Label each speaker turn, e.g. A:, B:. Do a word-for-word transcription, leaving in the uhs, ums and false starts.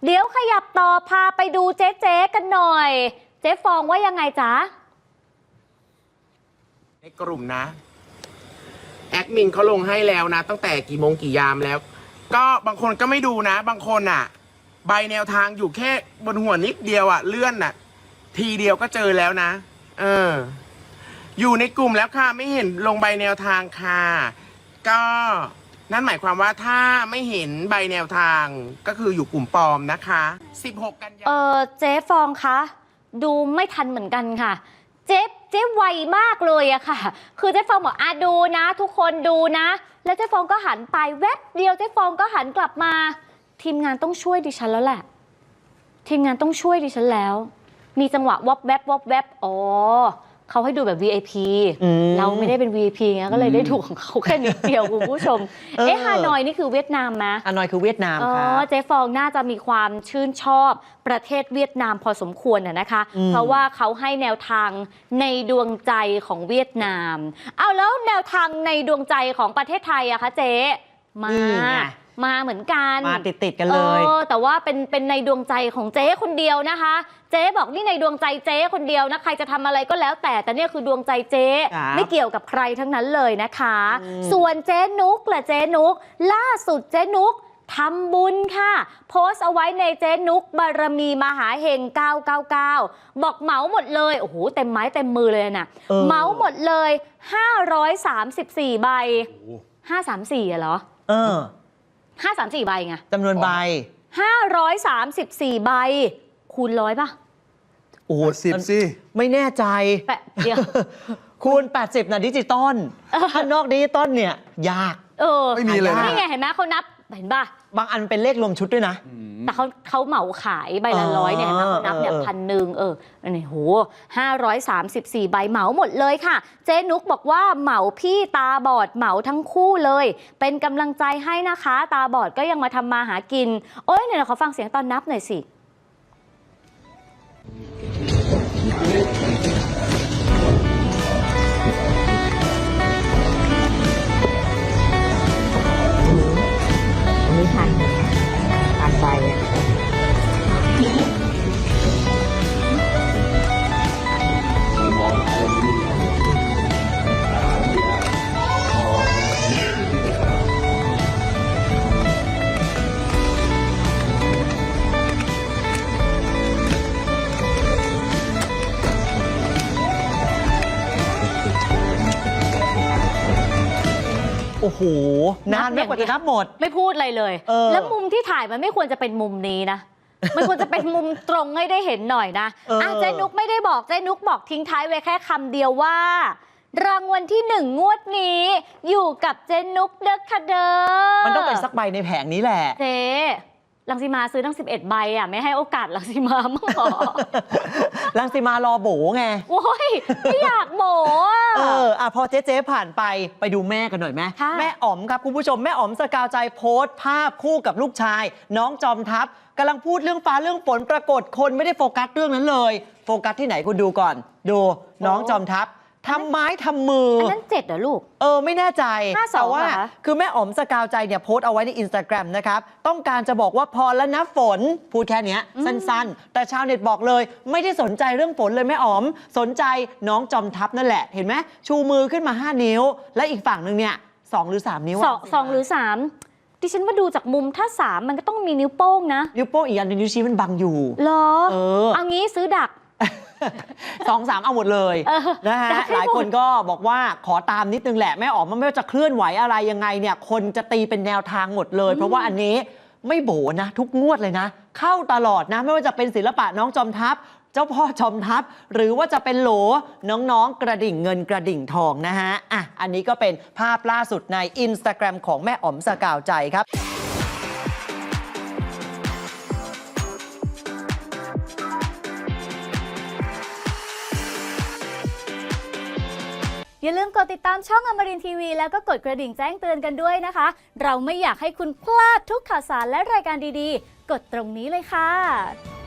A: เดี๋ยวขยับต่อพาไปดูเจ๊เจ๊กันหน่อยเจ๊ฟองว่ายังไงจ๊ะ
B: ในกลุ่มนะแอดมินเขาลงให้แล้วนะตั้งแต่กี่โมงกี่ยามแล้วก็บางคนก็ไม่ดูนะบางคนอ่ะใบแนวทางอยู่แค่บนหัวนิดเดียวอ่ะเลื่อนอ่ะทีเดียวก็เจอแล้วนะเอออยู่ในกลุ่มแล้วค่ะไม่เห็นลงใบแนวทางค่ะก็นั่นหมายความว่าถ้าไม่เห็นใบแนวทางก็คืออยู่กลุ่มปลอมนะคะสิบหกกันยายน
A: เออเจ๊ฟองคะดูไม่ทันเหมือนกันค่ะเจ๊เจ๊ไวมากเลยอะค่ะคือเจ๊ฟองบอกอ่ะดูนะทุกคนดูนะแล้วเจ๊ฟองก็หันไปแวบเดียวเจ๊ฟองก็หันกลับมาทีมงานต้องช่วยดิฉันแล้วแหละทีมงานต้องช่วยดิฉันแล้วมีจังหวะวบแวบวบแวบอ๋อเขาให้ดูแบบ วี ไอ พี เราไม่ได้เป็น วี ไอ พี ไงก็เลยได้ดูของเขาแค่นิดเดียวคุณผู้ชมเอ๊ะฮานอยนี่คือเวียดนามไหม
C: ฮานอยคือเวียดนามค่ะ
A: เจ๊ฟองน่าจะมีความชื่นชอบประเทศเวียดนามพอสมควรน่ะนะคะเพราะว่าเขาให้แนวทางในดวงใจของเวียดนามเอาแล้วแนวทางในดวงใจของประเทศไทยอะคะเจ๊มามาเหมือนกัน
C: มาติดติดกันเลย
A: แต่ว่าเป็นเป็นในดวงใจของเจ๊คนเดียวนะคะเจ๊บอกนี่ในดวงใจเจ๊คนเดียวนะใครจะทำอะไรก็แล้วแต่แต่เนี่ยคือดวงใจเจ๊ไม่เกี่ยวกับใครทั้งนั้นเลยนะคะส่วนเจ๊นุกแหละเจ๊นุกล่าสุดเจ๊นุกทำบุญค่ะโพสต์เอาไว้ในเจ๊นุกบารมีมหาเฮงเก้าเก้าเก้าบอกเหมาหมดเลยโอ้โหเต็มไม้เต็มมือเลยนะเหมาหมดเลยห้าร้อยสามสิบสี่ใบห้าสามสี่อะเหรอ
C: เออ
A: ห้าสามสี่ใบไง
C: จำนวนใบ
A: ห้าร้อยสามสิบสี่ใบคูณร้อยป่ะ
C: โอ้โหสิบสิไม่แน่ใจ
A: แปะเดียว
C: คูณแปดสิบนะดิจิตอลถ้านอกดิจิตอลเนี่ยยาก
A: เออ
C: ไม่มีเลย
A: นี่ไงเห็นไหมเขานับเห็นป่ะ
C: บางอันเป็นเลขรวมชุดด้วยนะ
A: แต่เขาเขาเหมาขายใบละร้อยเนี่ยเห็นไหมเขานับเนี่ยพันหนึ่งเอออันนี้โหห้าร้อยสามสิบสี่ใบเหมาหมดเลยค่ะเจ๊นุกบอกว่าเหมาพี่ตาบอดเหมาทั้งคู่เลยเป็นกำลังใจให้นะคะตาบอดก็ยังมาทำมาหากินโอ้ยเนี่ยเขาฟังเสียงตอนนับหน่อยสิ
D: ไม่ทันทันไปอ่ะ
C: โอ้โหนานไม่กว่าจะนับหมด
A: ไม่พูดอะไรเลยแล้วมุมที่ถ่ายมันไม่ควรจะเป็นมุมนี้นะมันควรจะเป็นมุมตรงให้ได้เห็นหน่อยนะอ่ะเจ๊นุกไม่ได้บอกเจ๊นุกบอกทิ้งท้ายไว้แค่คำเดียวว่ารางวัลที่หนึ่งงวดนี้อยู่กับเจ๊นุกเด้อค่ะเด้อ
C: มันต้องเป็นสักใบในแผงนี้แหละ
A: เจ๊รังสีมาซื้อตั้งสิบเอ็ดใบอ่ะไม่ให้โอกาสรังสีมามั่งหรอ
C: รังสีมารอโบไง
A: โอ้ยไม่อยากโบ
C: เอออ่ะพอเจ๊เจ๊ผ่านไปไปดูแม่กันหน่อยไหมแม่อ๋อมครับคุณผู้ชมแม่อ๋อมสกาวใจโพสต์ภาพคู่กับลูกชายน้องจอมทัพกำลังพูดเรื่องฟ้าเรื่องฝนปรากฏคนไม่ได้โฟกัสเรื่องนั้นเลยโฟกัสที่ไหนคุณดูก่อนดูน้องจอมทัพทำไม้ทำมือ
A: อันนั้นเจ็ดเหรอลูก
C: เออไม่แน่ใจแต่ว่าคือแม่อ๋อมสกาวใจเนี่ยโพสต์เอาไว้ใน อินสตาแกรม นะครับต้องการจะบอกว่าพอแล้วนะฝนพูดแค่นี้สั้นๆแต่ชาวเน็ตบอกเลยไม่ได้สนใจเรื่องฝนเลยแม่อ๋อมสนใจน้องจอมทัพนั่นแหละเห็นไหมชูมือขึ้นมาห้านิ้วและอีกฝั่งหนึ่งเนี่ยสองหรือสามนิ้ว
A: สองสองหรือสามดิฉันมาดูจากมุมถ้าสามมันก็ต้องมีนิ้วโป้งนะ
C: นิ้วโป้งอีกอันนึงนิ้วชี้มันบังอยู่
A: เหรอเออเอางี้ซื้อดัก
C: สองสามเอาหมดเลยนะฮะหลายคนก็บอกว่าขอตามนิดนึงแหละแม่อ๋อมมันไม่ว่าจะเคลื่อนไหวอะไรยังไงเนี่ยคนจะตีเป็นแนวทางหมดเลยเพราะว่าอันนี้ไม่โบนะทุกงวดเลยนะเข้าตลอดนะไม่ว่าจะเป็นศิลปะน้องจอมทัพเจ้าพ่อจอมทัพหรือว่าจะเป็นโหลน้องๆกระดิ่งเงินกระดิ่งทองนะฮะอ่ะอันนี้ก็เป็นภาพล่าสุดใน อินสตาแกรม ของแม่อ๋อมสกาวใจครับ
A: อย่าลืมกดติดตามช่องอมรินทร์ทีวีแล้วก็กดกระดิ่งแจ้งเตือนกันด้วยนะคะเราไม่อยากให้คุณพลาดทุกข่าวสารและรายการดีๆกดตรงนี้เลยค่ะ